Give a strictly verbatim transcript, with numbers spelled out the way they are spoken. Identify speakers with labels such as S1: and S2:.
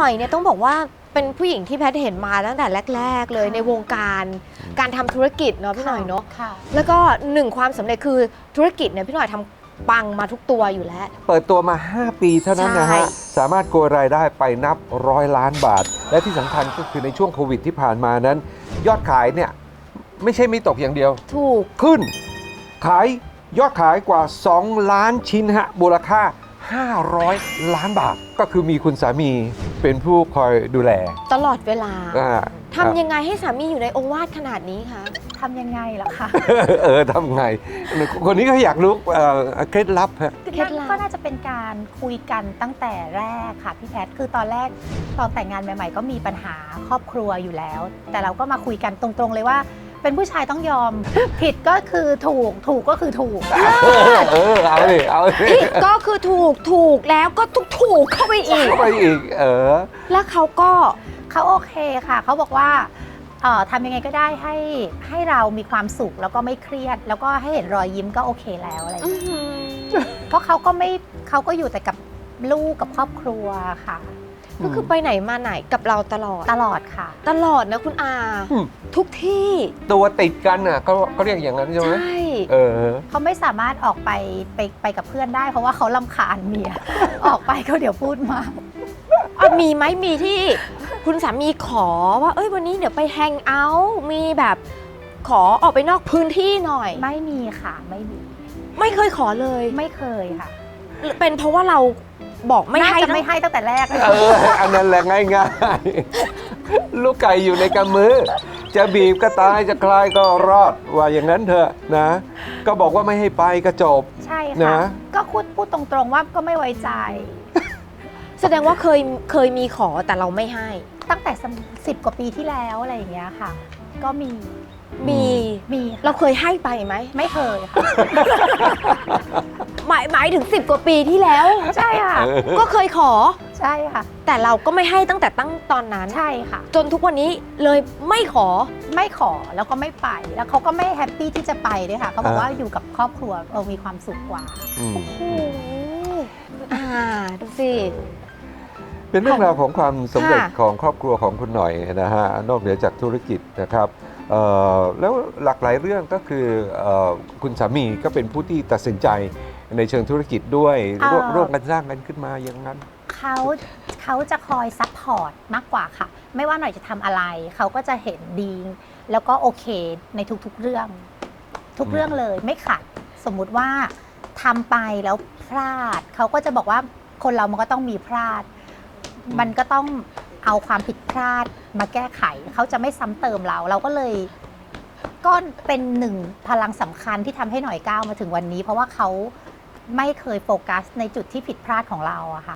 S1: อยเนี่ยต้องบอกว่าเป็นผู้หญิงที่แพทย์เห็นมาตั้งแต่แรกๆเลยในวงการการทำธุรกิจเนาะพี่หน่อยเนาะแล้วก็หนึ่งความสำเร็จคือธุรกิจเนี่ยพี่หน่อยทำปังมาทุกตัวอยู่แล้ว
S2: เปิดตัวมาห้าปีเท่านั้นนะฮะสามารถโกยรายได้ไปนับร้อยล้านบาทและที่สำคัญก็คือในช่วงโควิดที่ผ่านมานั้นยอดขายเนี่ยไม่ใช่ไม่ตกอย่างเดียว
S1: ถูก
S2: ขึ้นขายยอดขายกว่าสองล้านชิ้นฮะมูลค่าห้าร้อยล้านบาทก็คือมีคุณสามีเป็นผู้คอยดูแล
S1: ตลอดเวลาทำยังไงให้สามีอยู่ในองค์วาดขนาดนี้คะ
S3: ทำยังไงล่ะคะ
S2: เออทำไงคนนี้ก็อยากรู้เคล็ดลับฮะ
S3: เคล็ดลับก็น่าจะเป็นการคุยกันตั้งแต่แรกค่ะพี่แพทย์คือตอนแรกตอนแต่งงานใหม่ๆก็มีปัญหาครอบครัวอยู่แล้วแต่เราก็มาคุยกันตรงๆเลยว่าเป็นผู้ชายต้องยอมผิดก็คือถูกถูกก็คือถูก
S2: เออเอาดิเอาดิ
S1: ผิดก็คือถูกถูกแล้วก็ถูกถูกเข้าไปอีก
S2: เข้าไปอีกเออ
S1: แล้วเขาก็
S3: เขาโอเคค่ะเขาบอกว่าเอ่อทำยังไงก็ได้ให้ให้เรามีความสุขแล้วก็ไม่เครียดแล้วก็ให้เห็นรอยยิ้มก็โอเคแล้วอะไรอย่างเงี้ยเพราะเขาก็ไม่เขาก็อยู่แต่กับลูกกับครอบครัวค่ะ
S1: ก็คือไปไหนมาไหนกับเราตลอด
S3: ตลอดค่ะ
S1: ตลอดนะคุณอาทุกที่
S2: ตัวติดกันอ่ะก็ก็เรียกอย่างนั้นใช่ไหม
S1: ใช่
S2: เออ
S3: เขาไม่สามารถออกไปไปไปกับเพื่อนได้เพราะว่าเขารำคาญเมียออกไปเขาเดี๋ยวพูดมา
S1: มีไหมมีที่คุณสามีขอว่าเอ้ยวันนี้เดี๋ยวไปแฮงเอาท์มีแบบขอออกไปนอกพื้นที่หน่อย
S3: ไม่มีค่ะไม่มี
S1: ไม่เคยขอเลย
S3: ไม่เคยค่ะ
S1: เป็นเพราะว่าเราบอกไม่ให้
S3: ไม่ให้ตั้งแต่แรก
S2: เอออันนั้นแหละง่ายๆลูกไก่อยู่ในกำมือจะบีบก็ตายจะคลายก็รอดว่าอย่างนั้นเถอะนะก็บอกว่าไม่ให้ไปก็จบ
S3: ใช่ค่ะก็พูดพูดตรงๆว่าก็ไม่ไว้ใจ
S1: แสดงว่าเคยเคยมีขอแต่เราไม่ให้
S3: ตั้งแต่สิบกว่าปีที่แล้วอะไรอย่างเงี้ยค่ะก็มี
S1: มี
S3: มี
S1: เราเคยให้ไปไหม
S3: ไม่เคยค่ะ
S1: หมายหมายถึงสิบกว่าปีที่แล้ว
S3: ใช่ค่ะ
S1: ก็เคยขอ
S3: ใช่ค่ะ
S1: แต่เราก็ไม่ให้ตั้งแต่ตั้งตอนนั้น
S3: ใช่ค่ะ
S1: จนทุกวันนี้เลยไม่ขอ
S3: ไม่ขอแล้วก็ไม่ไปแล้วเขาก็ไม่แฮปปี้ที่จะไปด้วยค่ะเขาบอกว่าอยู่กับครอบครัวเรามีความสุขกว่า
S1: โอ้โหอ่าดูสิ
S2: เป็นเรื่องราวของความสำเร็จของครอบครัวของคุณหน่อยนะฮะนอกเหนือจากธุรกิจนะครับแล้วหลากหลายเรื่องก็คือคุณสามีก็เป็นผู้ที่ตัดสินใจในเชิงธุรกิจด้วยร่วมกันสร้างกันขึ้นมาอย่างนั้น
S3: เขาเขาจะคอยซัพพอร์ตมากกว่าค่ะไม่ว่าหน่อยจะทำอะไรเขาก็จะเห็นดีแล้วก็โอเคในทุกๆเรื่องทุกเรื่องเลยไม่ขัดสมมุติว่าทำไปแล้วพลาดเขาก็จะบอกว่าคนเรามันก็ต้องมีพลาดมันก็ต้องเอาความผิดพลาดมาแก้ไขเขาจะไม่ซ้ำเติมเราเราก็เลยก็เป็นหนึ่งพลังสำคัญที่ทำให้หน่อยก้าวมาถึงวันนี้เพราะว่าเขาไม่เคยโฟกัสในจุดที่ผิดพลาดของเราอะค่ะ